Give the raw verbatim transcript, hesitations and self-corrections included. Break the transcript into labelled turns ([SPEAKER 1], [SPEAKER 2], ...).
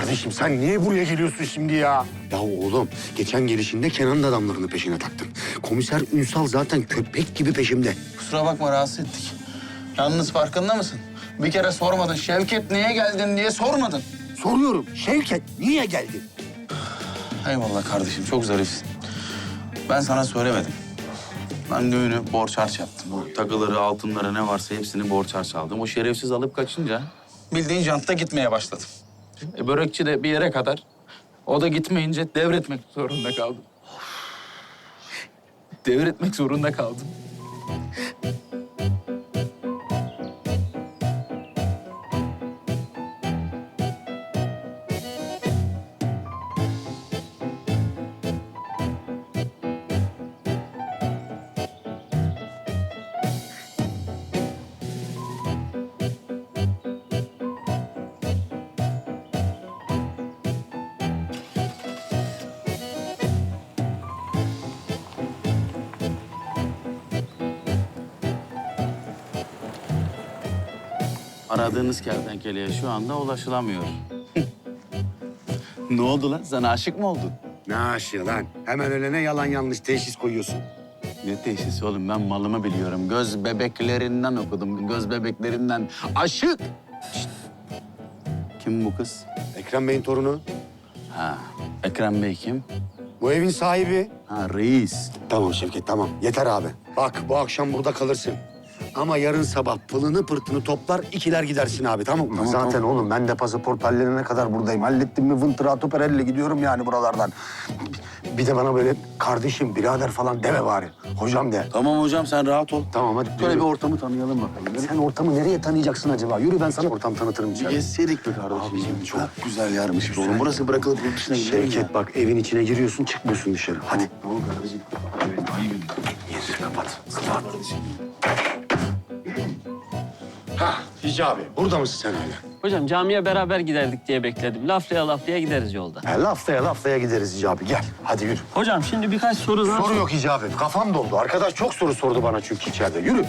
[SPEAKER 1] Kardeşim sen niye buraya geliyorsun şimdi ya? Ya oğlum geçen gelişinde Kenan'ın adamlarını peşine taktın. Komiser Ünsal zaten köpek gibi peşimde.
[SPEAKER 2] Kusura bakma rahatsız ettik. Yalnız farkında mısın? Bir kere sormadın. Şevket niye geldin diye sormadın.
[SPEAKER 1] Soruyorum Şevket niye geldin?
[SPEAKER 2] Eyvallah kardeşim çok zarifsin. Ben sana söylemedim. Ben düğünü borç harç yaptım. O takıları, altınları ne varsa hepsini borç harç aldım. O şerefsiz alıp kaçınca bildiğin jantta gitmeye başladım. E, börekçi de bir yere kadar. O da gitmeyince devretmek zorunda kaldım. Devretmek zorunda kaldım. Aradığınız kertenkeleye şu anda ulaşılamıyor. Ne oldu lan? Sana aşık mı oldun?
[SPEAKER 1] Ne aşığı lan? Hemen ölene yalan yanlış teşhis koyuyorsun.
[SPEAKER 2] Ne teşhisi oğlum? Ben malımı biliyorum. Göz bebeklerinden okudum. Göz bebeklerinden. Aşık! Şişt. Kim bu kız?
[SPEAKER 1] Ekrem Bey'in torunu.
[SPEAKER 2] Ha, Ekrem Bey kim?
[SPEAKER 1] Bu evin sahibi.
[SPEAKER 2] Ha, reis.
[SPEAKER 1] Tamam Şevket tamam. Yeter abi. Bak bu akşam burada kalırsın. Ama yarın sabah pılını pırtını toplar ikiler gidersin abi tamam mı?
[SPEAKER 2] Tamam,
[SPEAKER 1] Zaten
[SPEAKER 2] tamam.
[SPEAKER 1] oğlum ben de pasaport hallerine kadar buradayım. Hallettim mi vıntırato perelle gidiyorum yani buralardan. Bir de bana böyle kardeşim, birader falan deme bari. Hocam de.
[SPEAKER 2] Tamam hocam sen rahat ol.
[SPEAKER 1] Tamam hadi.
[SPEAKER 2] Şöyle
[SPEAKER 1] yürü.
[SPEAKER 2] bir ortamı tanıyalım bakalım.
[SPEAKER 1] Sen ortamı nereye tanıyacaksın acaba? Yürü ben sana ortam tanıtırım içeride.
[SPEAKER 2] Gezseydik be kardeşim.
[SPEAKER 1] Abicim, çok
[SPEAKER 2] güzel yermiş oğlum. Burası bırakılıp yurt dışına gidelim ya.
[SPEAKER 1] Şevket bak evin içine giriyorsun çıkmıyorsun dışarı. Hadi.
[SPEAKER 2] Tamam kardeşim. Evet, ayıp.
[SPEAKER 1] Gir kapat. Kapat. Ha Hicabi burada mısın sen hala?
[SPEAKER 3] Hocam camiye beraber giderdik diye bekledim. Laflaya laflaya gideriz yolda.
[SPEAKER 1] He, laftaya laftaya gideriz Hicabi gel. Hadi yürü.
[SPEAKER 3] Hocam şimdi birkaç soru daha...
[SPEAKER 1] Soru yok Hicabi. Kafam doldu. Arkadaş çok soru sordu bana çünkü içeride. Yürü.